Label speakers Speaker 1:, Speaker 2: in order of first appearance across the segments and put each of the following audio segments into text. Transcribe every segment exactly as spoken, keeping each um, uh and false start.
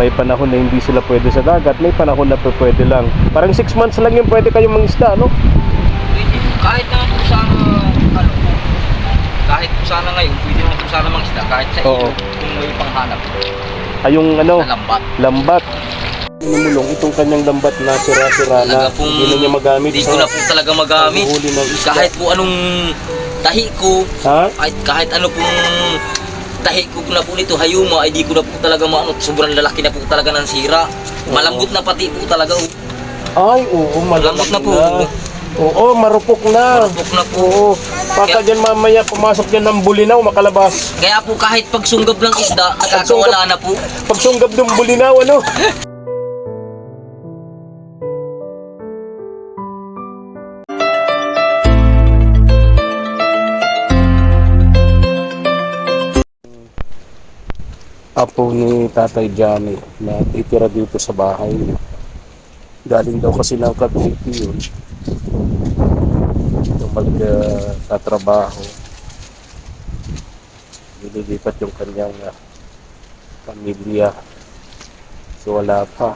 Speaker 1: May panahon na hindi sila pwede sa dagat, may panahon na pwede lang. Parang six months lang yung pwede kayong mangisda, no?
Speaker 2: Pwede, kahit naman po sana, ano, kahit po sana ngayon, pwede naman po sana mangisda, kahit sa
Speaker 1: Oo.
Speaker 2: ilog, kung may panghanap.
Speaker 1: Ay, yung ano,
Speaker 2: Sa lambat.
Speaker 1: lambat. Inumulong itong kanyang lambat na sira-sira na,
Speaker 2: Talaga pong,
Speaker 1: hindi na niya magamit.
Speaker 2: Hindi ko na po talaga magamit.
Speaker 1: paghuhuli ng isda.
Speaker 2: Kahit po anong tahi ko,
Speaker 1: Ha?
Speaker 2: kahit, kahit ano pong tahi ko na po nito, hayuma, ay di ko na po talaga maano, sobrang lalaki na po talaga ng sira. Malambot na pati po talaga. Oh.
Speaker 1: Ay, oo, malamot
Speaker 2: Malambot na po.
Speaker 1: Oo, marupok na.
Speaker 2: Marupok na po.
Speaker 1: Oo. Pagka dyan mamaya, pumasok dyan ng bulinaw, makalabas.
Speaker 2: Kaya po kahit pagsunggab ng isda, nakakawala na po.
Speaker 1: Pagsunggab ng bulinaw, ano? Apo ni Tatay Johnny na titira dito sa bahay. Galing daw kasi ng Cavite yun. Yung magtatrabaho. Nililipat yung kanyang uh, pamilya. So wala pa.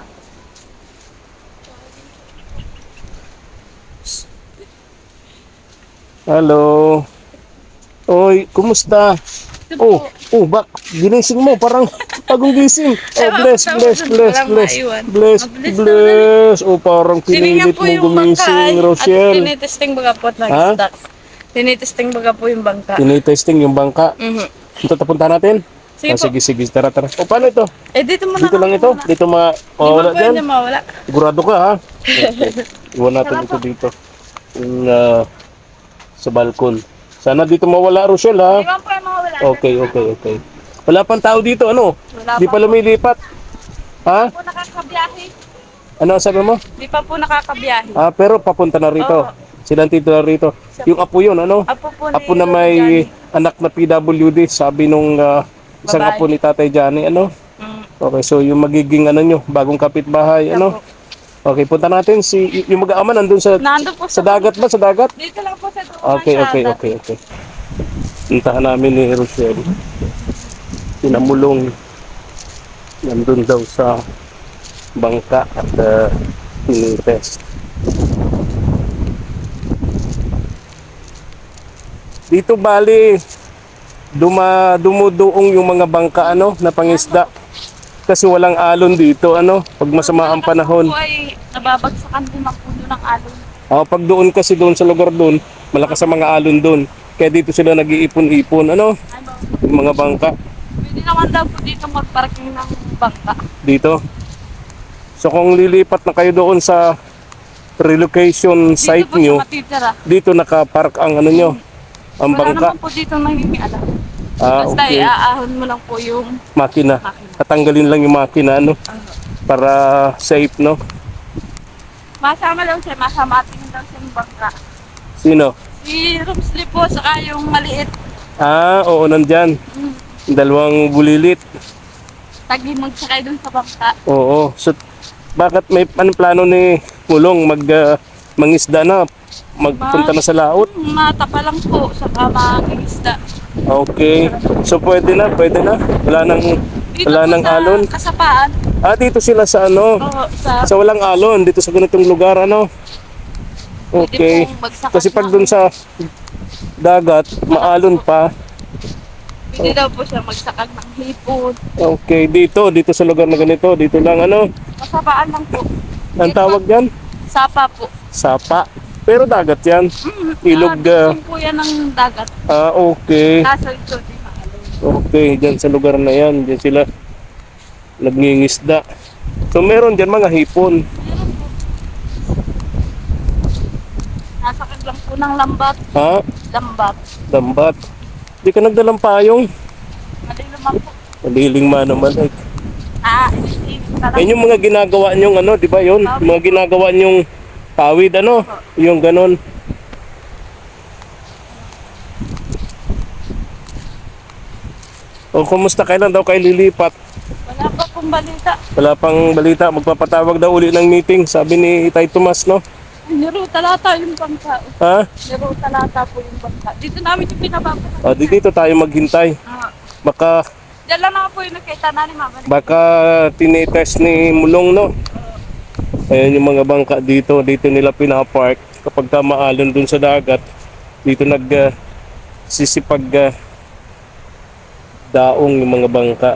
Speaker 1: Hello. Oy, kumusta? Oh, oh, bak, ginising mo, parang bagong gising. Oh, bless, bless, bless, bless, bless, bless. Oh, parang pinilit mo gumising, Rochelle.
Speaker 3: Tinitesting baga po ng
Speaker 1: Ha?
Speaker 3: isda. Tinitesting baga po yung bangka.
Speaker 1: Tinitesting yung bangka.
Speaker 3: Mhm.
Speaker 1: Ito, tapunta natin?
Speaker 3: Sige
Speaker 1: Ah,
Speaker 3: po.
Speaker 1: sige, sige, tara, tara. O, paano ito?
Speaker 3: Eh, dito mo na.
Speaker 1: Dito lang ito? Dito ma...
Speaker 3: Di
Speaker 1: Oh,
Speaker 3: ba
Speaker 1: wala
Speaker 3: po
Speaker 1: dyan?
Speaker 3: yun mawala?
Speaker 1: Sigurado ka, ha? Okay. Iwan natin ito dito. Yung, ah, sa balkon. Sana dito mawala, Rochelle, ha?
Speaker 3: Di ba po yung mawala?
Speaker 1: Okay, okay, okay. Wala pang tao dito, ano?
Speaker 3: Wala
Speaker 1: Di
Speaker 3: pa
Speaker 1: pa lumilipat. Ha?
Speaker 3: po nakakabiyahe.
Speaker 1: Ano ang sabi mo?
Speaker 3: Di pa po nakakabiyahe.
Speaker 1: Ah, pero papunta na rito.
Speaker 3: Oo.
Speaker 1: Silang titular rito. Yung apo yun, ano?
Speaker 3: Apo po ni
Speaker 1: Apo na
Speaker 3: Lolo
Speaker 1: may
Speaker 3: Johnny.
Speaker 1: anak na P W D, sabi nung ah, isang
Speaker 3: Babae.
Speaker 1: apo ni Tatay Johnny, ano?
Speaker 3: Mm.
Speaker 1: Okay, so yung magiging ano nyo, bagong kapitbahay, ano?
Speaker 3: Apo.
Speaker 1: Okay, punta natin si y- yung mag-aama nandun sa
Speaker 3: Nandun po
Speaker 1: sa
Speaker 3: sa
Speaker 1: dagat ba? Sa dagat?
Speaker 3: Dito lang po sa dumaan
Speaker 1: Okay,
Speaker 3: siya.
Speaker 1: okay, okay, okay. Puntahan namin ni Rochelle. Sinamulong nandun daw sa bangka at uh, tinitest. Dito bali duma dumuduong yung mga bangka ano na pangisda kasi walang alon dito ano pag masama ang panahon.
Speaker 3: Po ay nababagsakan din ang puno ng alon.
Speaker 1: Ah, pag doon kasi doon sa lugar doon, malakas ang mga alon doon. Kaya dito sila nag-iipon-ipon ano,
Speaker 3: Ano?
Speaker 1: yung mga bangka
Speaker 3: Pwede naman daw po dito magparking ng bangka.
Speaker 1: dito. So kung lilipat na kayo doon sa relocation site
Speaker 3: Dito po
Speaker 1: nyo,
Speaker 3: siya matitira.
Speaker 1: dito nakapark ang ano nyo, ang
Speaker 3: Wala
Speaker 1: bangka.
Speaker 3: naman po dito nangingialam.
Speaker 1: Ah,
Speaker 3: Basta
Speaker 1: okay.
Speaker 3: iaahon mo lang po yung
Speaker 1: Makina.
Speaker 3: makina.
Speaker 1: Tatanggalin lang yung makina ano para safe no.
Speaker 3: Masama daw siya, masamatin daw siya yung bangka.
Speaker 1: Sino?
Speaker 3: Si Rumsley po, saka yung maliit.
Speaker 1: Ah, oo, nandyan. Dalawang bulilit.
Speaker 3: Tagi magsakay dun sa bangka.
Speaker 1: Oo. So, bakit may anong plano ni Mulong mag ah, mangisda na? Magpunta na sa laot?
Speaker 3: Hmm, Mata pa lang po, saka mangingisda.
Speaker 1: Okay. So, pwede na, pwede na. Wala nang,
Speaker 3: Dito
Speaker 1: wala
Speaker 3: po
Speaker 1: nang
Speaker 3: sa
Speaker 1: alon.
Speaker 3: kasapaan.
Speaker 1: Ah, dito sila sa ano?
Speaker 3: Oo, sa...
Speaker 1: Sa walang alon, dito sa ganitong lugar, ano? Okay.
Speaker 3: Pwede pong bagsakan
Speaker 1: Kasi pag
Speaker 3: na-
Speaker 1: dun sa dagat, maalon pa.
Speaker 3: Pwede daw po siya magsakag ng hipon.
Speaker 1: Okay, dito, dito sa lugar na ganito, dito lang ano?
Speaker 3: Kasapaan lang po.
Speaker 1: Ang
Speaker 3: Dito
Speaker 1: tawag
Speaker 3: po,
Speaker 1: yan?
Speaker 3: Sapa po.
Speaker 1: Sapa. Pero dagat yan. Ilog.
Speaker 3: Ah,
Speaker 1: ah,
Speaker 3: po yan ng dagat.
Speaker 1: Ah, okay.
Speaker 3: Kaso ito, di maalon.
Speaker 1: Okay, dyan sa lugar na yan, dyan sila nagngingisda. So meron dyan mga hipon.
Speaker 3: Meron po. Nasakag lang po ng lambat.
Speaker 1: Ha?
Speaker 3: Lambat.
Speaker 1: Lambat. Di ka nagdalang payong.
Speaker 3: Maliluman po.
Speaker 1: Maliling man naman. Eh.
Speaker 3: Ah, hindi.
Speaker 1: Yan yung mga ginagawa nyong ano, di ba yun? Yung mga ginagawa nyong pawid, ano? Yung ganon. O kumusta, kailan daw kayo lilipat?
Speaker 3: Wala pa pong balita.
Speaker 1: Wala pang balita, magpapatawag daw uli ng meeting, sabi ni Itay Tomas, no?
Speaker 3: Niro talata yung bangka.
Speaker 1: Ha?
Speaker 3: Niro talata po yung bangka. Dito namin yung pinababa.
Speaker 1: O, di dito tayo maghintay.
Speaker 3: Ah,
Speaker 1: Baka
Speaker 3: Diyan lang naman po yung nakita na ni Mama.
Speaker 1: Baka tinitest ni Mulong, no? Ayan yung mga bangka dito. Dito nila pinapark. Kapag ka maalon dun sa dagat, dito nag uh, sisipag uh, daong yung mga bangka.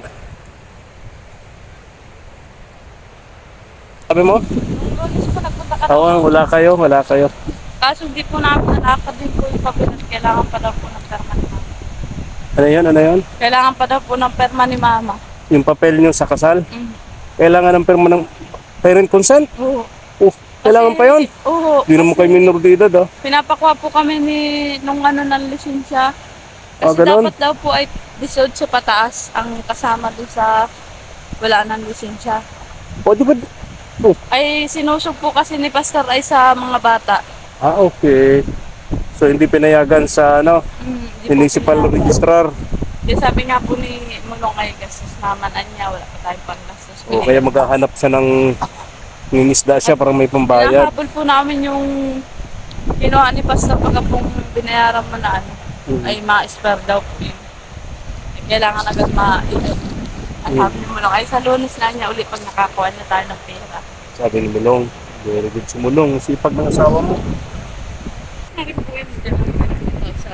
Speaker 1: Sabi mo?
Speaker 3: Nung lunes po nagpunta ka
Speaker 1: Oo,
Speaker 3: na.
Speaker 1: wala kayo, wala kayo.
Speaker 3: Kaso hindi po namin nalakad din po yung papel at kailangan pa daw po ng perma ni Mama.
Speaker 1: Ano yun, ano yun?
Speaker 3: Kailangan pa daw po ng perma ni Mama.
Speaker 1: Yung papel nyo sa kasal?
Speaker 3: Mm.
Speaker 1: Kailangan ng perma ng parent consent?
Speaker 3: Oo.
Speaker 1: Oh, kailangan pa yun?
Speaker 3: Oo.
Speaker 1: Hindi naman kayo minor de edad, ah.
Speaker 3: Pinapakuha po kami ni nung ano ng lisensya.
Speaker 1: Ah,
Speaker 3: Kasi
Speaker 1: ganun?
Speaker 3: dapat daw po ay desold sa pataas ang kasama doon sa wala ng lisensya.
Speaker 1: O, di ba? Oh,
Speaker 3: Ay sinusog po kasi ni Pastor ay sa mga bata.
Speaker 1: ah, okay. So, hindi pinayagan sa, ano,
Speaker 3: Mm, di po
Speaker 1: municipal
Speaker 3: pinayagan.
Speaker 1: registrar.
Speaker 3: Kaya sabi nga po ni Mulong ay gastos naman niya, wala pa tayong panggastos.
Speaker 1: O, kaya maghahanap siya ng ningisda siya para may pambayad.
Speaker 3: Pinahabol po namin yung kinuha ni Pastor pagka pong binayaran mo na ano,
Speaker 1: Mm.
Speaker 3: ay ma-spare daw po yun. Ay, kailangan agad ma-ito. At
Speaker 1: Mm.
Speaker 3: sabi ni Mulong, ay sa Lunes na niya uli pag nakakuha niya tayo ng pera.
Speaker 1: Sabi ni Mulong, very good si Mulong. Sipag ng asawa mo.
Speaker 3: Naging po yun dyan sa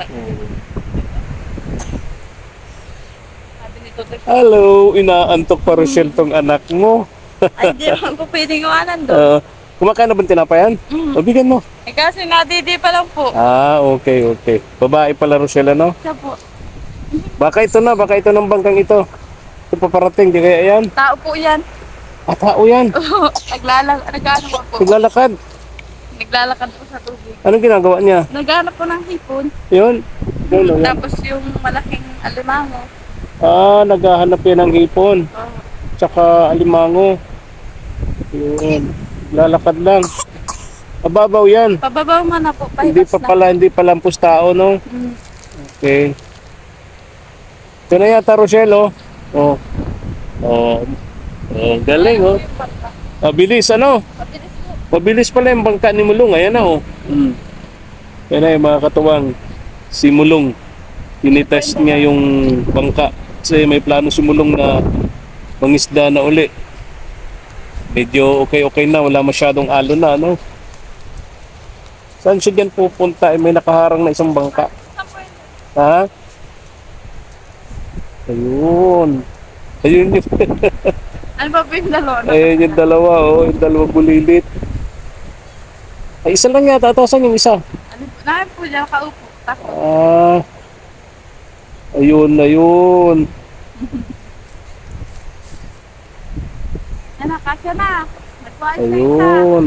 Speaker 3: sabi ni Totoy.
Speaker 1: Hello, inaantok pa Rochelle tong anak mo.
Speaker 3: Ay, di naman po pwedeng iwanan doon.
Speaker 1: Uh, kumakain na ba ng tinapayan?
Speaker 3: Mm.
Speaker 1: O, bigyan mo.
Speaker 3: Eh kasi nadidi pa lang po.
Speaker 1: Ah, okay, okay. Babae pala Rochelle, ano?
Speaker 3: Siya po.
Speaker 1: Baka ito na, baka ito ng bangkang ito. Ito paparating, di kaya yan?
Speaker 3: Tao po yan.
Speaker 1: Ah, tao yan.
Speaker 3: Naglalag, nagano po.
Speaker 1: Naglalakad.
Speaker 3: Naglalakad po sa tubig.
Speaker 1: Anong ginagawa niya?
Speaker 3: Naghanap po ng hipon.
Speaker 1: Yun. Yun, yun.
Speaker 3: Tapos yung malaking alimango.
Speaker 1: Ah, naghahanap yan ng hipon.
Speaker 3: Oh,
Speaker 1: Tsaka alimango. Yun. Lalakad lang. Mababaw yan.
Speaker 3: pababaw man na po.
Speaker 1: Hindi
Speaker 3: Pahibas
Speaker 1: pa
Speaker 3: na.
Speaker 1: pala, hindi pa lampos tao, no?
Speaker 3: Mm.
Speaker 1: Okay. Ito na yata, Rochelle, oh. Oh. Oh. Oh, galing, oh. Mabilis, ano?
Speaker 3: Mabilis po.
Speaker 1: Mabilis pala yung bangka ni Mulong. Ayan na, oh. Mm. Yan na yung mga katuwang. Si Mulong. Tinitest niya yung bangka. Kasi may plano si Mulong na mangisda na uli. Medyo okay-okay na. Wala masyadong alon na, ano? Saan siya dyan pupunta? Eh, may nakaharang na isang bangka.
Speaker 3: Saan po yun?
Speaker 1: Ha? Ayun. Ayun yung,
Speaker 3: Ano ba po yung dalawa?
Speaker 1: ayun yung dalawa, oh. Yung dalawang bulilit. Ay, isa lang yata. Ito, saan yung isa?
Speaker 3: Ano po? Namin po dyan, kaupo. Tako.
Speaker 1: Ah. Ayun, ayun.
Speaker 3: Yan na, kasya na. Nagpaayos na isa.
Speaker 1: Ayun.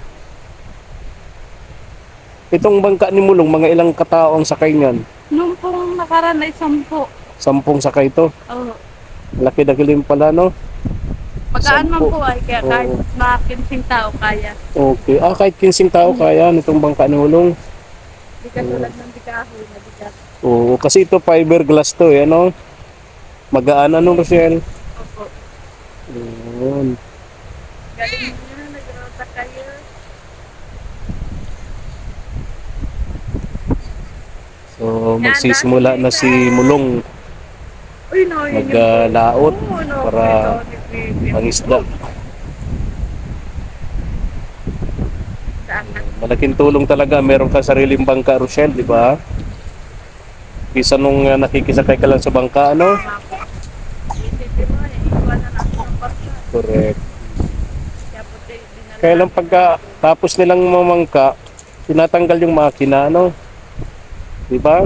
Speaker 1: Itong bangka ni Mulong, mga ilang katao ang sakay niyan?
Speaker 3: Nung pong nakaraan na isang po.
Speaker 1: Sampung sakay to.
Speaker 3: Oh.
Speaker 1: Laki na kilim pala, no?
Speaker 3: Magaan man
Speaker 1: Sampo.
Speaker 3: po ay kaya kahit
Speaker 1: Oo.
Speaker 3: mga kinsing tao kaya.
Speaker 1: Okay. Ah, kahit kinsing tao kaya nitong bangka ni Mulong.
Speaker 3: Hindi ka tulad ng bikahoy na bigat.
Speaker 1: Oo, kasi ito fiberglass to, eh, ano? Magaan, ano, Rochelle?
Speaker 3: Opo.
Speaker 1: Ayun.
Speaker 3: Galing nyo na, nag-rota kayo.
Speaker 1: So, magsisimula na si Mulong
Speaker 3: Uy, no, yun yung
Speaker 1: maglaot
Speaker 3: Oo, no,
Speaker 1: para
Speaker 3: ito, ni Pipi.
Speaker 1: mangisda.
Speaker 3: Saan na?
Speaker 1: Malaking tulong talaga, meron ka sariling bangka, Rochelle, di ba? Kisa nung uh, nakikisakay ka lang sa bangka, ano?
Speaker 3: Isipin mo, eh, iwanan ako ng parsa.
Speaker 1: Correct.
Speaker 3: Kaya po, di- dinala-
Speaker 1: Kaya lang pagka tapos nilang mamangka, tinatanggal yung makina, ano? Di ba?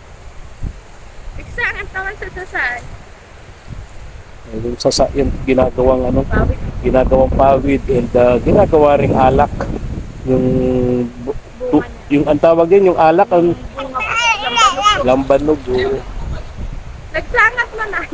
Speaker 3: Iksa, ang tawag sa sasay.
Speaker 1: Yung sasa, yung ginagawang ano,
Speaker 3: Pawit.
Speaker 1: ginagawang pawid and uh, ginagawa ring alak. Yung bu- tu-
Speaker 3: Bunga niya.
Speaker 1: yung ang tawag yun, yung alak, ang
Speaker 3: Bunga po. Lambanog po.
Speaker 1: lambanog. Oh.
Speaker 3: Nagsangat man na.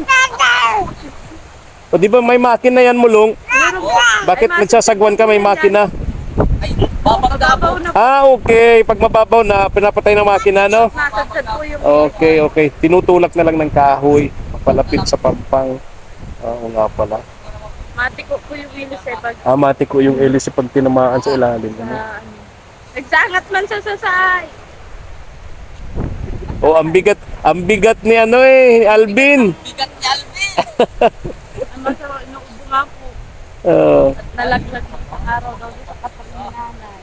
Speaker 1: O di ba may makina yan, Mulong?
Speaker 3: Meron po.
Speaker 1: Bakit
Speaker 3: Ay,
Speaker 1: nagsasagwan ka may makina?
Speaker 2: Ay, babagda
Speaker 3: Babaw
Speaker 2: po.
Speaker 3: na po.
Speaker 1: Ah, okay. Pag mababaw na, pinapatay ng makina, no?
Speaker 3: Nasadsad po yung
Speaker 1: Okay, okay. Tinutulak na lang ng kahoy. Palapit sa pampang. Ah, Oo nga pala.
Speaker 3: matiko po yung wilis eh pag
Speaker 1: Ah, mati ko yung elis pag tinamaan sa ilalim.
Speaker 3: sa
Speaker 1: Ano?
Speaker 3: ano. Nagsangat man sa sasay.
Speaker 1: Oh, ang bigat, ang bigat ni ano eh, Alvin.
Speaker 2: Bigat ni Alvin.
Speaker 3: Ang masarap, inuubo nga po.
Speaker 1: Ah,
Speaker 3: At nalaglag ng isang araw daw dito kapag ni nanay.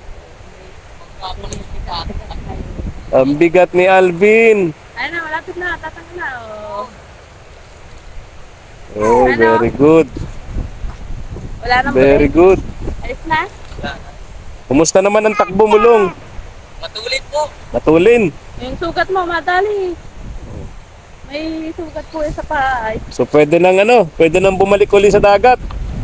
Speaker 1: ang bigat ni Alvin.
Speaker 3: Ayun na, malapit na. Tatanggal na. Oh.
Speaker 1: Oh, very good.
Speaker 3: Wala nang
Speaker 1: Very
Speaker 3: break.
Speaker 1: good.
Speaker 3: Alis na.
Speaker 1: Kumusta naman ang takbo mo, Long?
Speaker 2: Matulit po.
Speaker 1: Matulin.
Speaker 3: Yung sugat mo, madali. May sugat po yung sa paa. Ay,
Speaker 1: So pwede nang ano, pwede nang bumalik uli sa dagat.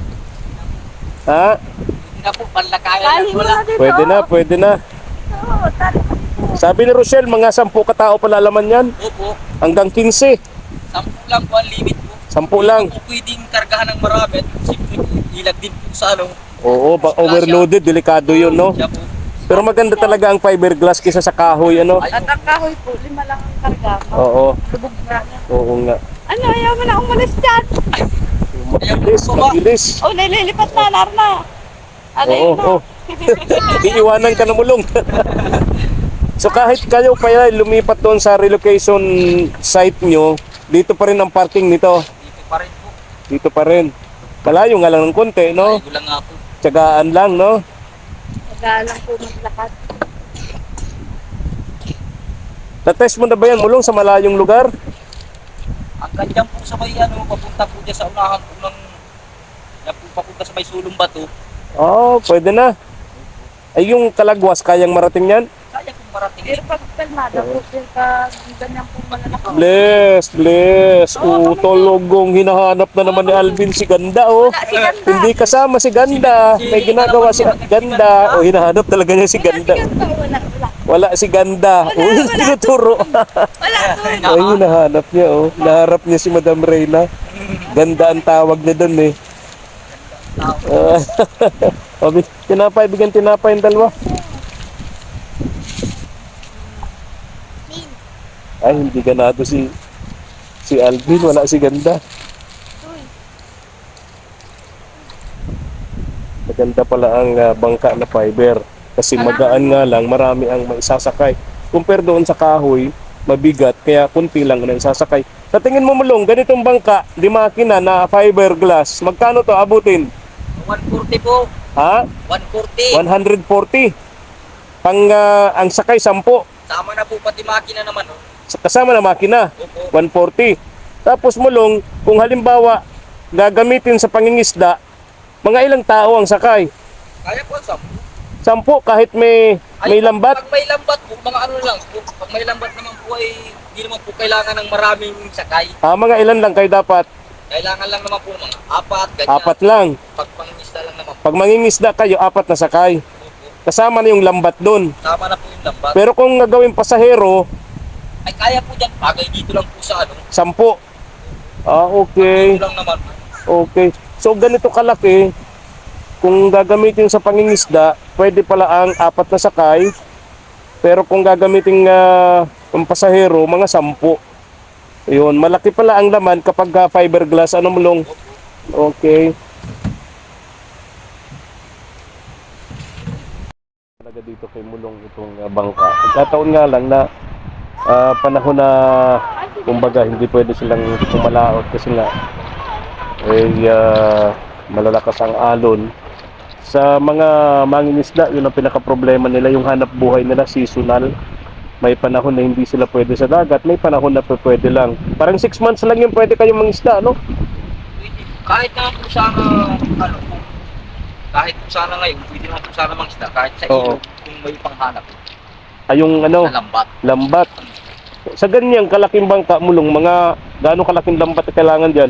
Speaker 1: Ha?
Speaker 2: Hindi na po, panlakayan
Speaker 3: tali
Speaker 2: na
Speaker 3: mo
Speaker 2: wala.
Speaker 3: na dito.
Speaker 1: Pwede na, pwede na.
Speaker 3: Oo, tali mo dito.
Speaker 1: Sabi ni Rochelle, mga sampu katao pala laman yan.
Speaker 2: Opo,
Speaker 1: Hanggang quince.
Speaker 2: sampu lang po ang limit po.
Speaker 1: Sampu lang.
Speaker 2: Hindi po pwedeng kargahan ng marami. At siyempre po, ilag din po sa ano.
Speaker 1: Oo, ba overloaded, delikado yun, no?
Speaker 2: Siya po.
Speaker 1: Pero maganda talaga ang fiberglass kaysa sa kahoy, ano?
Speaker 2: Ay,
Speaker 3: At ang kahoy po, lima lang ang karga.
Speaker 1: Oo,
Speaker 3: Lubog na.
Speaker 1: oo nga.
Speaker 3: Ano, ayaw mo na umalis dyan.
Speaker 1: Mabilis, mabilis.
Speaker 3: Oh, nililipat na, Narna. Ano
Speaker 1: Oo,
Speaker 3: yun na?
Speaker 1: oo. Iiwanan ka na mulong. So kahit kayo pa yan, lumipat doon sa relocation site nyo, dito pa rin ang parking nito.
Speaker 2: dito pa rin po.
Speaker 1: Dito pa rin. Malayo nga lang ng konti, no?
Speaker 2: Ay, gulang nga po.
Speaker 1: Tiyagaan lang, no?
Speaker 3: Nagalang po maglakad.
Speaker 1: Na-test mo na ba yan mulong sa malayong lugar?
Speaker 2: Ang kanyang po sa may ano, papunta po dyan sa unahan po ng yan po papunta sa may sulong bato.
Speaker 1: Oo, oh, pwede na. Ay yung Kalagwas, kayang marating yan?
Speaker 2: Kaya kong marating.
Speaker 3: Pero pag kalmada po, pero pag ganyan po malalaki.
Speaker 1: Bless, bless. Oh, tologong hinahanap na naman ni Alvin si Ganda, oh.
Speaker 3: Wala si Ganda.
Speaker 1: Hindi kasama si Ganda. May ginagawa si Ganda. Oh, hinahanap talaga niya si
Speaker 3: Wala si
Speaker 1: Ganda.
Speaker 3: Ganda. Wala, wala.
Speaker 1: Wala si Ganda.
Speaker 3: Wala,
Speaker 1: Oh,
Speaker 3: wala.
Speaker 1: tinuturo.
Speaker 3: Wala doon.
Speaker 1: Ay, hinahanap niya, oh. Naharap niya si Madam Reyna. Ganda ang tawag niya doon, eh. Ah, oh, bi- tinapay, bigyan tinapay yung dalawa. Ay, hindi ganado si si Alvin, wala si Ganda. Maganda pala ang ah, bangka na fiber. Kasi magaan nga lang, marami ang maisasakay. Compare doon sa kahoy, mabigat, kaya kunti lang na isasakay. Sa tingin mo mulong, ganitong bangka, di makina na fiberglass, magkano to abutin?
Speaker 2: one forty po.
Speaker 1: Ha?
Speaker 2: one forty.
Speaker 1: one forty. Pang ah, ang sakay sampo.
Speaker 2: Tama na po pati makina naman. Oh.
Speaker 1: Kasama na makina,
Speaker 2: Opo.
Speaker 1: one forty. Tapos mulong, kung halimbawa gagamitin sa pangingisda, mga ilang tao ang sakay?
Speaker 2: Kaya po sa
Speaker 1: Sampo kahit may may lambat.
Speaker 2: Pag may lambat po, mga ano lang po. Pag may lambat naman po ay hindi naman po kailangan ng maraming sakay.
Speaker 1: Ah, mga ilan lang kayo dapat?
Speaker 2: Kailangan lang naman po ng mga apat, ganyan.
Speaker 1: Apat lang.
Speaker 2: Pag pangingisda lang naman po.
Speaker 1: Pag mangingisda kayo, apat na sakay.
Speaker 2: Opo.
Speaker 1: Kasama na yung lambat doon.
Speaker 2: Tama na po yung lambat.
Speaker 1: Pero kung gagawin pasahero,
Speaker 2: Ay kaya po dyan. Bagay dito lang po sa ano.
Speaker 1: sampo. Ah, okay.
Speaker 2: Dito lang naman po.
Speaker 1: Okay. So ganito kalaki, kung gagamitin sa pangingisda, pwede pala ang apat na sakay. Pero kung gagamitin uh, ang pasahero, mga sampu. Ayun, malaki pala ang laman kapag uh, fiberglass. Ano mulong? Okay. Talaga dito kay mulong itong uh, bangka. Pagkataon nga lang na uh, panahon na kumbaga hindi pwede silang pumalaot kasi nga eh uh, malalakas ang alon. Sa mga mangingisda, yun ang pinaka-problema nila, yung hanap buhay nila seasonal. May panahon na hindi sila pwede sa dagat, may panahon na pwede lang. Parang six months lang yung pwede kayong mangisda, no?
Speaker 2: Pwede. Kahit naman po sana, ano po, kahit po sana ngayon, pwede naman po sana mangisda. Kahit sa
Speaker 1: Oo.
Speaker 2: ilog, kung may panghanap.
Speaker 1: Ay, yung ano,
Speaker 2: Sa lambat.
Speaker 1: lambat. Sa ganyang kalaking bangka, mulong, mga gaano kalaking lambat na kailangan dyan?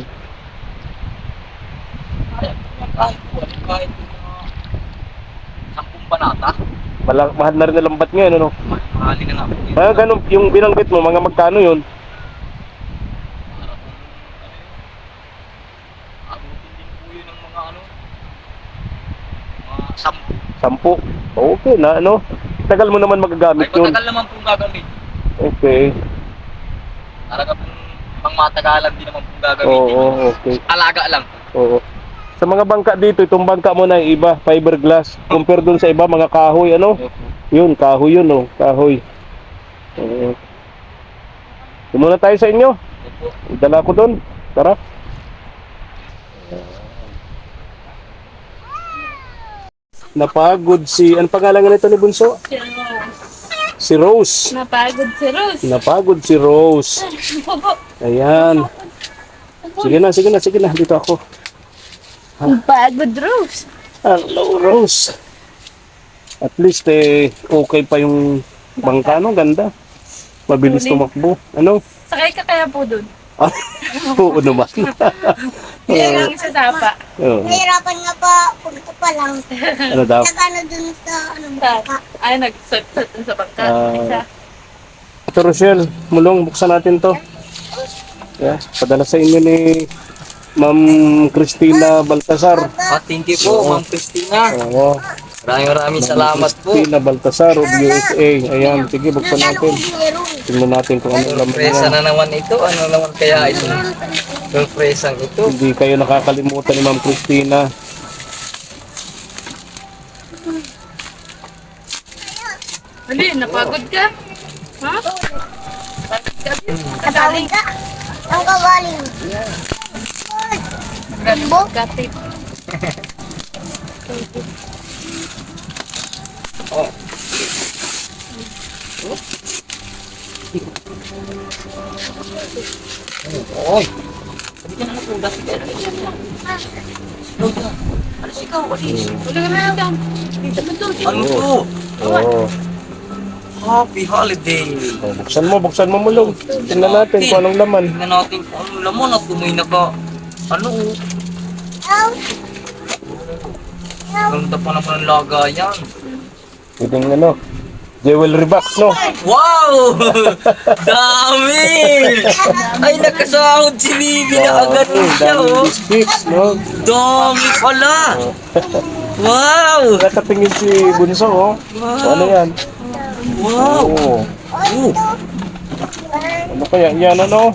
Speaker 2: Kahit po, kahit po, ano, kahit po mga sampung banata.
Speaker 1: Mala- mahal na rin na lambat ngayon, ano?
Speaker 2: Mahali na nga po. yun.
Speaker 1: Mga ganun, yung binanggit mo, mga magkano yun?
Speaker 2: Abutin din po yun ng mga ano, mga sampu.
Speaker 1: Sampu. Okay na, ano? Tagal mo naman
Speaker 2: Ay
Speaker 1: magagamit yun.
Speaker 2: matagal naman po gagamit.
Speaker 1: Okay.
Speaker 2: Talaga pong pang matagalan din naman po gagamitin.
Speaker 1: Oo, okay.
Speaker 2: Alaga lang.
Speaker 1: Oo. Sa mga bangka dito, itong bangka mo na iba, fiberglass. Compare dun sa iba, mga kahoy, ano? Yun, kahoy yun, oh. Kahoy. Oo. Muna tayo sa inyo.
Speaker 2: Opo.
Speaker 1: Dala ko dun. Tara. Napagod si... Ano pangalan nito ni Bunso?
Speaker 3: Si Rose.
Speaker 1: Si Rose.
Speaker 3: Napagod si Rose.
Speaker 1: Napagod si Rose.
Speaker 3: Bobo.
Speaker 1: Ayan. Sige na, sige na, sige na. Dito ako.
Speaker 3: Napagod Rose.
Speaker 1: Hello, Rose. At least, eh, okay pa yung bangka, no? Ganda. Mabilis
Speaker 3: Huli.
Speaker 1: tumakbo. Ano?
Speaker 3: Sakay ka kaya po dun.
Speaker 1: Ah, oo naman.
Speaker 3: Hindi lang sa sapa.
Speaker 1: Oo.
Speaker 4: Nahirapan nga pa, punto pa lang.
Speaker 1: Ano daw?
Speaker 4: Nag-ano dun sa, ano,
Speaker 3: Sa,
Speaker 4: bangka.
Speaker 3: ay, nag-sat-sat dun sa bangka.
Speaker 1: Ah.
Speaker 3: Isa.
Speaker 1: Ito, Rochelle, mulong, buksan natin to. Yeah, padala sa inyo ni Ma'am Cristina Baltasar.
Speaker 2: Ah, thank you po, Ma'am Christina.
Speaker 1: Oo.
Speaker 2: Maraming maraming salamat po.
Speaker 1: Cristina Baltasar of U S A. Ayan, sige, buksan natin.
Speaker 4: Meron.
Speaker 1: Tingnan natin kung ano laman
Speaker 2: Sorpresa
Speaker 1: yan.
Speaker 2: na naman ito. Ano naman kaya ito? Sorpresang ito.
Speaker 1: Hindi kayo nakakalimutan ni Ma'am Cristina.
Speaker 3: Ano yun, napagod ka? Ha? Napagod ka?
Speaker 4: Katawid ka. Ang kabaling.
Speaker 3: Rambo? Katip.
Speaker 2: Oy. Sabi ka na napugas. Alas ikaw, alis.
Speaker 3: Wala ka na lang. Betul.
Speaker 2: Ano to?
Speaker 1: Oo.
Speaker 2: Happy holiday.
Speaker 1: Oh, buksan mo, buksan mo mulong. Tingnan natin kung anong laman.
Speaker 2: Tingnan natin kung anong laman at kung may naka... Ano?
Speaker 4: Ow.
Speaker 2: Ganda pa naman ang lagayan.
Speaker 1: Pwedeng ano, jewelry box, no?
Speaker 2: Wow! Dami! Ay, nakasahod si Bibi na agad
Speaker 1: Oo,
Speaker 2: siya,
Speaker 1: daming
Speaker 2: oh.
Speaker 1: biscuits, no?
Speaker 2: Dami pala! Wow!
Speaker 1: Nakatingin si Bunso, oh. So, ano yan?
Speaker 2: Wow!
Speaker 1: Oo.
Speaker 2: Oh,
Speaker 1: Ano kaya? Yan, ano?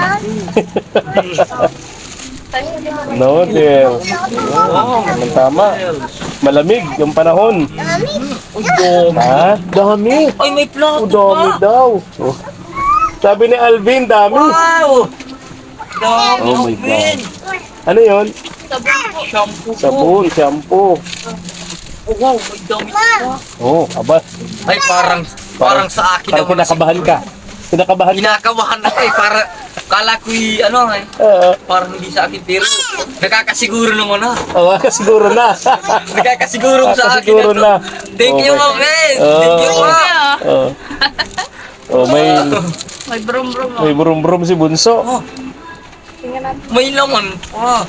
Speaker 1: No, dear.
Speaker 2: wow!
Speaker 1: Anong tama? Malamig yung panahon.
Speaker 2: Dami!
Speaker 1: Ha? Dami.
Speaker 2: Ay, may
Speaker 1: O,
Speaker 2: plato
Speaker 1: dami
Speaker 2: pa!
Speaker 1: daw. Oh. Sabi ni Alvin, dami.
Speaker 2: Wow! Dami,
Speaker 1: Oh my
Speaker 2: Alvin!
Speaker 1: Ano yon?
Speaker 2: Shampoo po.
Speaker 1: Sabon, shampoo.
Speaker 2: Oh, wow, may dami pa.
Speaker 1: Oh, aba.
Speaker 2: Ay, parang, parang sa akin
Speaker 1: Parang
Speaker 2: naman.
Speaker 1: kinakabahan ka. Kinakabahan ka.
Speaker 2: Kinakabahan ako eh, para, kala ko'y, ano eh,
Speaker 1: Oo.
Speaker 2: parang hindi sa akin, pero nakakasiguro naman na.
Speaker 1: Oo, kasiguro na.
Speaker 2: Nakakasiguro sa akin.
Speaker 1: Kasiguro
Speaker 2: ito.
Speaker 1: na.
Speaker 2: Thank you,
Speaker 1: Okay.
Speaker 2: Ma'am Ben.
Speaker 1: Oh.
Speaker 2: Thank you, Ma.
Speaker 1: Oo. Oh, may
Speaker 3: May brum-brum
Speaker 1: may brum-brum si Bunso.
Speaker 2: Oh,
Speaker 3: Tingnan natin.
Speaker 2: may laman pa.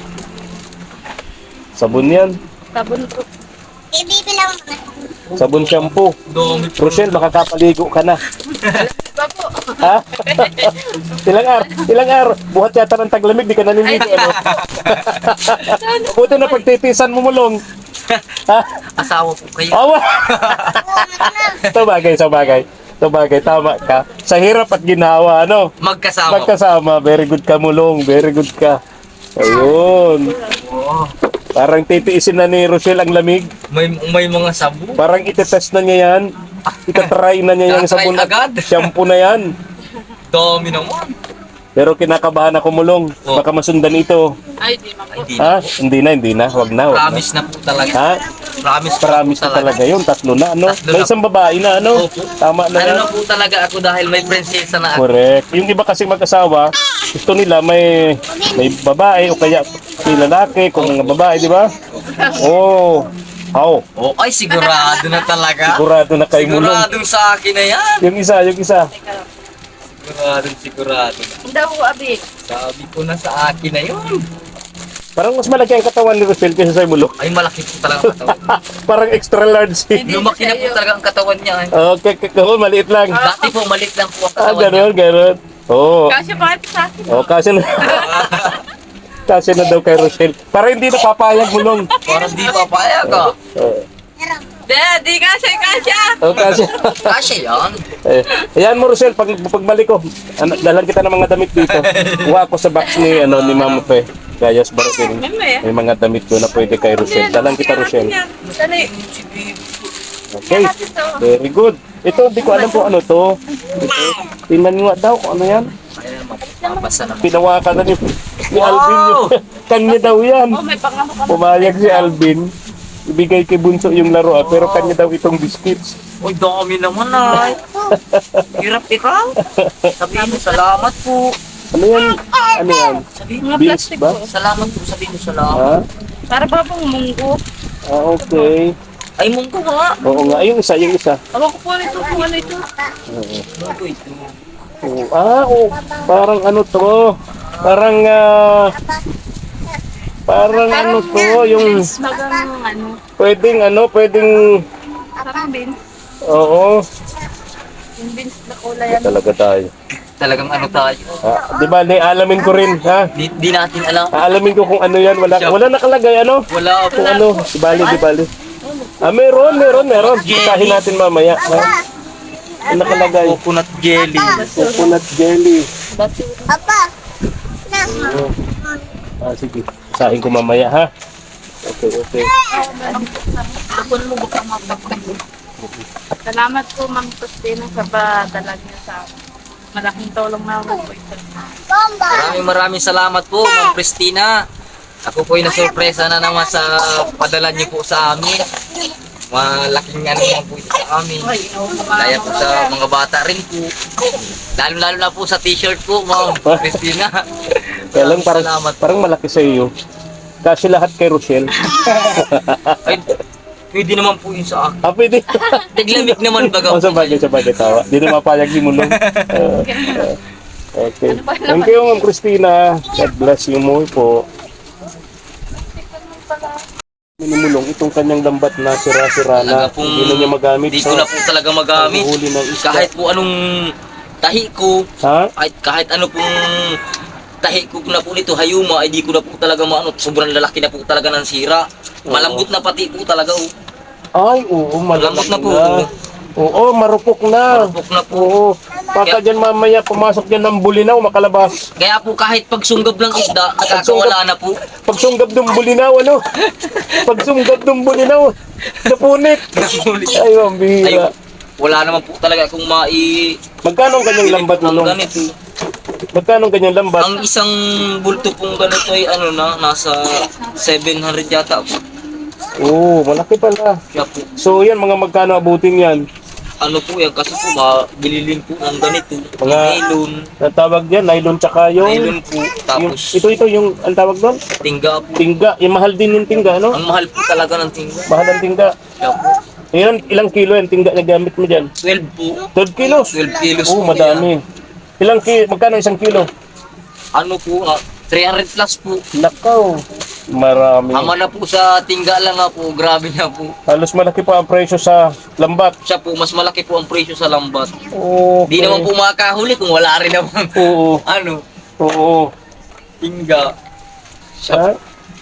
Speaker 1: Sabon yan.
Speaker 3: Sabon po.
Speaker 4: Ibibilang mga.
Speaker 1: Sabon shampoo.
Speaker 2: Dami pa.
Speaker 1: Rochelle, makakapaligo ka na.
Speaker 3: Iba po.
Speaker 1: Ha? ilang araw? Ilang araw? Buhat yata ng taglamig, di ka naniligo. Ano? Buti na pagtitisan mo mulong. Ha?
Speaker 2: Asawa po kayo.
Speaker 1: Awa! Sa bagay, sa bagay. Sa bagay, tama ka. Sa hirap at ginawa, ano?
Speaker 2: Magkasama.
Speaker 1: Magkasama. Very good ka mulong. Very good ka. Ayun.
Speaker 2: Oh,
Speaker 1: Parang titiisin na ni Rochelle ang lamig.
Speaker 2: may, may mga sabu.
Speaker 1: Parang itetest na niya yan. Itatry na niya yung
Speaker 2: Tatry
Speaker 1: sabon at
Speaker 2: agad?
Speaker 1: shampoo na yan.
Speaker 2: Dami naman.
Speaker 1: Pero kinakabahan ako mulong.
Speaker 2: Oh.
Speaker 1: Baka masundan ito.
Speaker 3: Ay, di ma po.
Speaker 2: Hindi.
Speaker 1: Ha? Hindi na, hindi na. Wag na, wag na.
Speaker 2: Promise na po talaga.
Speaker 1: Ha?
Speaker 2: Promise,
Speaker 1: Promise na talaga yun. Tatlo na, ano?
Speaker 2: Tatlo
Speaker 1: May
Speaker 2: na.
Speaker 1: isang babae na, ano?
Speaker 2: Opo.
Speaker 1: Tama na
Speaker 2: Ano
Speaker 1: yan.
Speaker 2: na po talaga ako dahil may prinsesa na ako.
Speaker 1: Correct. Yung iba kasi mag-asawa, gusto nila may may babae o kaya may lalaki kung mga babae, di ba? Oh. How?
Speaker 2: Oh, ay sigurado na talaga.
Speaker 1: Sigurado na kay mulong.
Speaker 2: Siguradong sa akin na yan.
Speaker 1: Yung isa, yung isa.
Speaker 2: Siguradong sigurado.
Speaker 3: Ang daw, abi.
Speaker 2: Sabi ko na sa akin na yun.
Speaker 1: Parang mas malaki ang katawan ni Rochelle kaysa sa mulong.
Speaker 2: Ay malaki po talaga ang katawan.
Speaker 1: Parang extra large.
Speaker 3: Hindi.
Speaker 2: Lumaki na po talaga ang katawan niya. eh.
Speaker 1: Okay, kako, maliit lang.
Speaker 2: Dati po malit lang po ang
Speaker 1: Ah,
Speaker 2: katawan niya.
Speaker 1: gano'n, gano'n. Oo.
Speaker 3: Kasi bakit sa akin?
Speaker 1: Oh, kasi na. kasi na daw kay Rochelle. Para hindi napapayag mulong.
Speaker 2: Parang di papayag ah.
Speaker 1: Oh,
Speaker 3: Di, di kasi, kasya.
Speaker 1: oh kasi.
Speaker 2: Kasya yan.
Speaker 1: Eh, ayan mo Rochelle, pag pagbalik ko, ano, dalhan kita ng mga damit dito. Kuha ako sa box ni ano ni Mama Pe. Gayas Baratin.
Speaker 3: Meme.
Speaker 1: May mga damit ko na pwede kay Rochelle. Dalhan kita Rochelle.
Speaker 3: Dali.
Speaker 1: Okay. Very good. Ito, hindi ko alam kung ano to. Ito. Tingnan nga daw kung ano yan.
Speaker 2: Ayan, mabasa na.
Speaker 1: Pinawakan na ni, ni
Speaker 2: Wow!
Speaker 1: Alvin yun. Kanya daw yan.
Speaker 3: Oh, may pangano ka.
Speaker 1: Pumayag si Alvin. ibigay kay Bunso yung laruan, pero kanya daw itong biscuits.
Speaker 2: Uy, dami naman ay. Hirap ikaw. Sabihin mo, salamat po.
Speaker 1: Ano yan? Ano yan?
Speaker 2: Sabihin
Speaker 3: Mga
Speaker 2: mo,
Speaker 1: Beans
Speaker 3: plastic
Speaker 1: ba?
Speaker 3: po.
Speaker 2: salamat po. Sabihin mo, salamat.
Speaker 1: Ha?
Speaker 3: Para ba pong munggo?
Speaker 1: Ah, okay.
Speaker 2: Ay, mungko nga.
Speaker 1: Oo nga, yung isa, yung isa.
Speaker 3: Awa ko po ito kung ano ito.
Speaker 2: Mungko ito.
Speaker 1: Oo. Ah, oh, parang ano to? Parang, ah, parang ano to, yung
Speaker 3: Beans, magang ano.
Speaker 1: pwedeng, ano, pwedeng,
Speaker 3: Parang beans.
Speaker 1: oo,
Speaker 3: Yung beans na kulay yan.
Speaker 1: talaga tayo.
Speaker 2: Talagang ano tayo.
Speaker 1: Ah, di ba, alamin ko rin, ha?
Speaker 2: Di, di natin alam.
Speaker 1: Aalamin ko kung ano yan, wala, wala nakalagay, ano?
Speaker 2: Wala po.
Speaker 1: Kung ano, di bali, di bali. Ah, meron, meron, meron. Basahin natin mamaya. Ha? Ano nakalagay?
Speaker 2: Coconut jelly.
Speaker 1: Coconut jelly.
Speaker 3: Bati.
Speaker 4: Papa. Na.
Speaker 1: Oo. Ah, sige. Basahin ko mamaya, ha? Okay, okay.
Speaker 3: Bakun mo baka mapagpag. Salamat po, Ma'am Christina, sa padala niyo sa amin. Malaking tulong na ako po ito.
Speaker 4: Bomba.
Speaker 2: Maraming maraming salamat po, Ma'am Christina. Ako po ay nasurpresa na naman sa padala niyo po sa amin. Malaking ano naman po ito sa amin.
Speaker 3: Ay, ino,
Speaker 2: Kaya po sa mga bata rin po. Lalo-lalo na po sa t-shirt po, Ma'am Christina.
Speaker 1: Kaya lang parang,
Speaker 2: Salamat.
Speaker 1: parang malaki sa iyo. Kasi lahat kay Rochelle.
Speaker 2: Ay, pwede naman po yun sa akin.
Speaker 1: Ah, pwede.
Speaker 2: Tiglamig naman baga
Speaker 1: Oh, sa bagay, sa bagay, tawa. Di na mapayag ni Mulong. Ah, ah, okay. Thank you, Ma'am Christina. God bless you mo po. Minimulong itong kanyang lambat na sira-sira na.
Speaker 2: Talaga pong
Speaker 1: Hindi na niya magamit.
Speaker 2: Hindi ko na po talaga magamit.
Speaker 1: paghuli ng isda.
Speaker 2: Kahit po anong tahi ko,
Speaker 1: Ha?
Speaker 2: kahit, kahit ano pong tahi ko na po nito, hayuma, ay di ko na po talaga maano. Sobrang lalaki na po talaga ng sira. Malambot na pati po talaga. Oh.
Speaker 1: Ay, oo,
Speaker 2: Malambot na po.
Speaker 1: Oo, marupok na.
Speaker 2: Marupok na po.
Speaker 1: Oo. Baka dyan mamaya pumasok dyan ng bulinaw, makalabas.
Speaker 2: Kaya po kahit pagsunggab ng isda, nakakawala na po.
Speaker 1: Pagsunggab ng bulinaw, ano? Pagsunggab ng bulinaw, napunit. Ay, ang
Speaker 2: Ay,
Speaker 1: bihira.
Speaker 2: wala naman po talaga kung mai...
Speaker 1: Magkano ang kanyang lambat
Speaker 2: ng
Speaker 1: mo?
Speaker 2: ganito.
Speaker 1: Magkano ang kanyang lambat?
Speaker 2: Ang isang bulto pong ganito ay ano na, nasa seven hundred yata po.
Speaker 1: Oo, malaki pala.
Speaker 2: Kaya po,
Speaker 1: So yan, mga magkano abutin yan?
Speaker 2: ano po yan, kasi po mabililin po ng ganito.
Speaker 1: Mga-
Speaker 2: Nylon,
Speaker 1: Natawag yan, nylon tsaka yung...
Speaker 2: nylon po.
Speaker 1: yung
Speaker 2: Tapos
Speaker 1: ito, ito, yung, ang tawag doon?
Speaker 2: tingga po.
Speaker 1: Tingga. Yung mahal din yung tingga, ano?
Speaker 2: Ang mahal po talaga ng tingga.
Speaker 1: Mahal ang tingga.
Speaker 2: Kaya po,
Speaker 1: Ilan, ilang kilo yung tingga na gamit mo dyan?
Speaker 2: twelve po.
Speaker 1: twelve kilos?
Speaker 2: twelve kilos
Speaker 1: Oo,
Speaker 2: po
Speaker 1: madami. Ilang kilo? Magkano isang kilo?
Speaker 2: Ano po, ah, three hundred plus po.
Speaker 1: Nakaw. Marami.
Speaker 2: Ama na po sa tingga lang nga po, grabe na po.
Speaker 1: Halos malaki pa ang presyo sa lambat.
Speaker 2: Siya po, mas malaki po ang presyo sa lambat.
Speaker 1: Okay.
Speaker 2: Di naman po makakahuli kung wala rin naman.
Speaker 1: Oo.
Speaker 2: Ano,
Speaker 1: Oo.
Speaker 2: tingga. Siya
Speaker 1: Ha?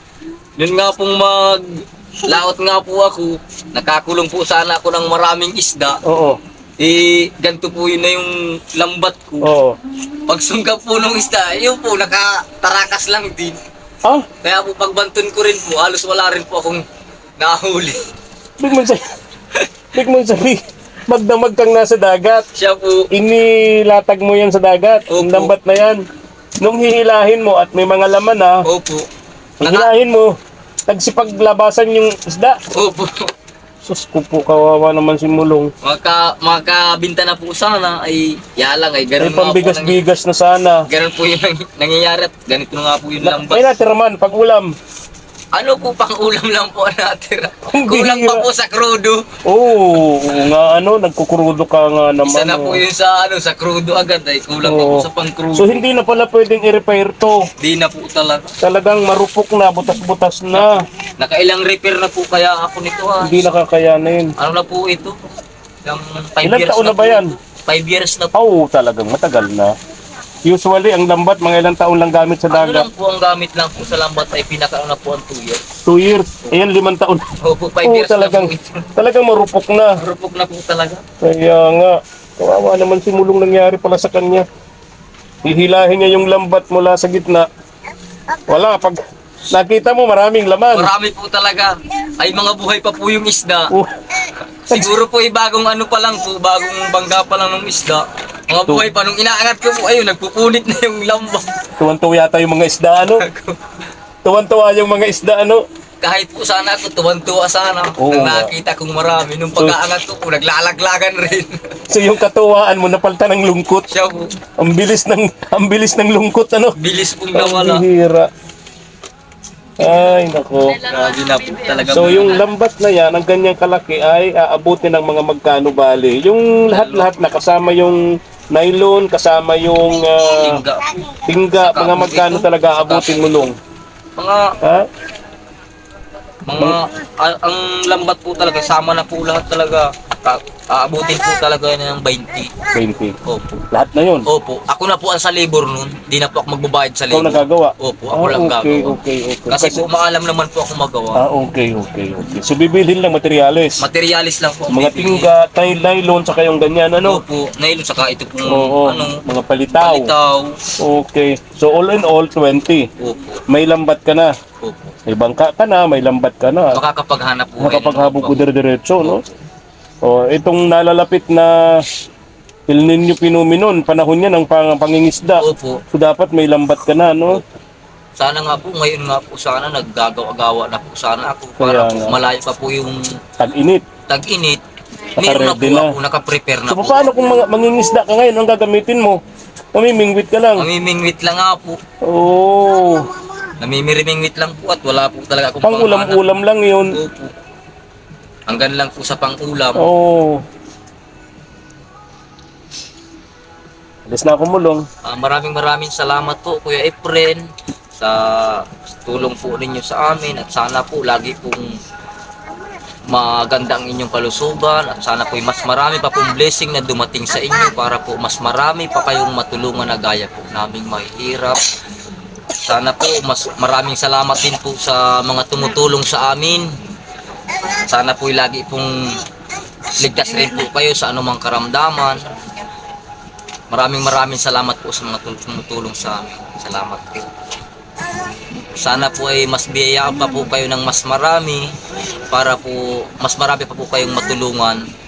Speaker 2: Yun nga pong mag laot nga po ako, nakakulong po sana ako ng maraming isda.
Speaker 1: Oo.
Speaker 2: Eh, ganito po yun na yung lambat ko.
Speaker 1: Oo.
Speaker 2: Pagsunggap po ng isda, yun po, nakatarakas lang din.
Speaker 1: Ah,
Speaker 2: Kaya po pagbanton ko rin po, halos wala rin po akong nahuli.
Speaker 1: big mo sabi. Big mo sabi. Magdamag kang nasa dagat.
Speaker 2: Siya po,
Speaker 1: Inilatag mo yan sa dagat.
Speaker 2: Opo.
Speaker 1: Yung lambat na yan. Nung hihilahin mo at may mga laman na,
Speaker 2: opo. Naka,
Speaker 1: hihilahin mo, nagsipaglabasan yung isda.
Speaker 2: opo.
Speaker 1: Sus ko po, kawawa naman si Mulong.
Speaker 2: Maka, makabinta na po sana, ay yalang ay
Speaker 1: May
Speaker 2: ganun nga po. nangy-
Speaker 1: pambigas-bigas na sana.
Speaker 2: Ganun po yung nang- nangyayari at ganito na nga po yung
Speaker 1: Na,
Speaker 2: lambat.
Speaker 1: may natira man, pag ulam.
Speaker 2: Ano po pang ulam lang po ang natira?
Speaker 1: Ang
Speaker 2: Kulang
Speaker 1: bihira.
Speaker 2: pa po sa krudo.
Speaker 1: Oo, oo nga ano, nagkukurudo ka nga naman.
Speaker 2: Isa na po
Speaker 1: oh.
Speaker 2: yun sa ano sa krudo agad ay kulang pa
Speaker 1: Oo.
Speaker 2: po sa pang krudo.
Speaker 1: So hindi na pala pwedeng i-repair to.
Speaker 2: Di na po talaga.
Speaker 1: Talagang marupok na, butas-butas na.
Speaker 2: Nakailang repair na po kaya ako nito ha.
Speaker 1: Hindi nakakayanin.
Speaker 2: Ano na po ito? Ilang five
Speaker 1: Ilang
Speaker 2: years
Speaker 1: taon na ba
Speaker 2: po
Speaker 1: yan?
Speaker 2: ito. Five years na po.
Speaker 1: Oo, talagang matagal na. Usually, ang lambat, mga ilang taon lang gamit sa
Speaker 2: Ano lang
Speaker 1: dagat.
Speaker 2: po ang gamit lang po sa lambat ay pinakaano na po ang two years.
Speaker 1: Two years. Ayan, limang taon.
Speaker 2: Opo, five
Speaker 1: Oo,
Speaker 2: years
Speaker 1: talagang,
Speaker 2: na po ito.
Speaker 1: talagang marupok na.
Speaker 2: Rupok na po talaga.
Speaker 1: Kaya nga, kawawa naman si Mulong nangyari pala sa kanya. Hihilahin niya yung lambat mula sa gitna. Wala, pag nakita mo maraming laman.
Speaker 2: Marami po talaga. Ay mga buhay pa po yung isda.
Speaker 1: Oh,
Speaker 2: Siguro po ay bagong ano pa lang po, bagong bangga pa lang ng isda. Mga buhay pa, nung inaangat ko po, ayun, nagpupunit na yung lambak.
Speaker 1: tuwan-tuwa yata yung mga isda, ano? Tuwan-tuwa yung mga isda, ano?
Speaker 2: kahit po sana ako, tuwan-tuwa sana.
Speaker 1: Oo
Speaker 2: Nang
Speaker 1: nga.
Speaker 2: nakita kong marami. Nung pag-aangat ko po, naglalaglagan rin.
Speaker 1: So yung katuwaan mo napalitan ng lungkot.
Speaker 2: Siya po,
Speaker 1: Ang bilis ng ang bilis ng lungkot ano.
Speaker 2: bilis pong
Speaker 1: Ang
Speaker 2: nawala.
Speaker 1: bihira. Ay, nako.
Speaker 2: Grabe na po talaga.
Speaker 1: So yung lambat na yan, ang ganyang kalaki ay aabutin ng mga magkano bali. Yung lahat-lahat na kasama yung nylon, kasama yung ah,
Speaker 2: Tingga po.
Speaker 1: tingga, mga magkano talaga aabutin mo nung.
Speaker 2: Mga,
Speaker 1: Ha?
Speaker 2: mga, a- ang lambat po talaga, sama na po lahat talaga. Ka- Aabutin po talaga yan ng twenty.
Speaker 1: twenty.
Speaker 2: Opo.
Speaker 1: Lahat na yun.
Speaker 2: Opo. Ako na po ang sa labor nun. Di na po ako magbabayad sa
Speaker 1: Ikaw
Speaker 2: labor.
Speaker 1: nagagawa?
Speaker 2: Opo, ako
Speaker 1: Ah,
Speaker 2: lang
Speaker 1: okay,
Speaker 2: gagawa.
Speaker 1: okay, okay.
Speaker 2: Kasi po maalam naman po ako magawa.
Speaker 1: Ah, okay, okay, okay. So bibilhin lang materyales.
Speaker 2: Materialis lang po. ang
Speaker 1: Mga
Speaker 2: bibili.
Speaker 1: tingga, tay- nylon, saka yung ganyan, ano?
Speaker 2: Opo. Nailon saka ito pong
Speaker 1: Oo,
Speaker 2: ano,
Speaker 1: mga palitaw.
Speaker 2: palitaw.
Speaker 1: Okay. So all in all, twenty.
Speaker 2: Opo.
Speaker 1: May lambat ka na.
Speaker 2: Opo.
Speaker 1: May bangka ka na, may lambat ka na.
Speaker 2: Makakapaghanap po.
Speaker 1: Nakapaghabog ko
Speaker 2: ko.
Speaker 1: dire-diretso, no? O, itong nalalapit na El Nino Phenomenon, panahon niya ng pang pangingisda.
Speaker 2: Opo.
Speaker 1: So dapat may lambat ka na, no?
Speaker 2: Sana nga po, ngayon nga po sana naggagawa-gawa na po sana ako para
Speaker 1: Kaya
Speaker 2: po
Speaker 1: nga.
Speaker 2: malayo pa po yung
Speaker 1: Tag-init.
Speaker 2: tag-init. Meron na po
Speaker 1: Naka-ready na.
Speaker 2: ako, nakaprepare na
Speaker 1: So
Speaker 2: po.
Speaker 1: paano kung mga mangingisda ka ngayon, ang gagamitin mo? Mamimingwit ka lang.
Speaker 2: Mamimingwit lang nga po.
Speaker 1: Oo.
Speaker 2: Namimirimingwit lang po at wala po talaga akong
Speaker 1: Pang ulam-ulam lang yun.
Speaker 2: Opo. Hanggang lang po sa pang-ulam.
Speaker 1: Oo. Alis na ako mulong.
Speaker 2: Ah, maraming maraming salamat po Kuya Efren sa tulong po ninyo sa amin at sana po lagi pong maganda ang inyong kalusugan at sana po mas marami pa pong blessing na dumating sa inyo para po mas marami pa kayong matulungan na gaya po naming mahihirap. Sana po mas maraming salamat din po sa mga tumutulong sa amin. Sana po lagi pong ligtas rin po kayo sa anumang karamdaman. Maraming maraming salamat po sa mga tul- tumutulong sa amin. Salamat po. Sana po ay mas biyayaan pa po kayo ng mas marami para po mas marami pa po kayong matulungan